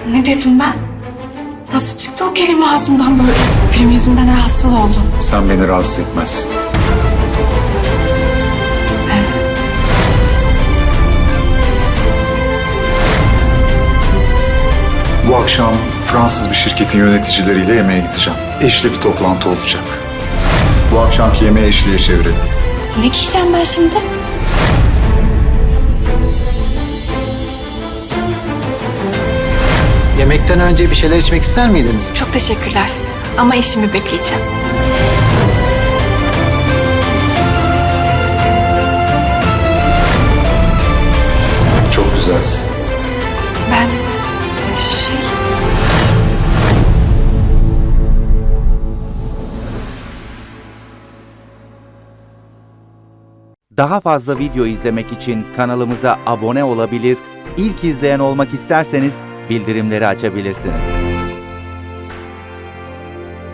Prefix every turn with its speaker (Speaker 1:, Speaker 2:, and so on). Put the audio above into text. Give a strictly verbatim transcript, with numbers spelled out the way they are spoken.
Speaker 1: Ne dedim ben? Nasıl çıktı o kelime ağzımdan böyle? Benim yüzümden rahatsız oldun.
Speaker 2: Sen beni rahatsız etmezsin. Bu akşam Fransız bir şirketin yöneticileriyle yemeğe gideceğim. Eşli bir toplantı olacak. Bu akşamki yemeği eşliğe çevirelim.
Speaker 1: Ne giyeceğim ben şimdi?
Speaker 3: Yemekten önce bir şeyler içmek ister miydiniz?
Speaker 1: Çok teşekkürler. Ama eşimi bekleyeceğim.
Speaker 2: Çok güzelsin.
Speaker 1: Ben şey...
Speaker 4: Daha fazla video izlemek için kanalımıza abone olabilir, ilk izleyen olmak isterseniz bildirimleri açabilirsiniz.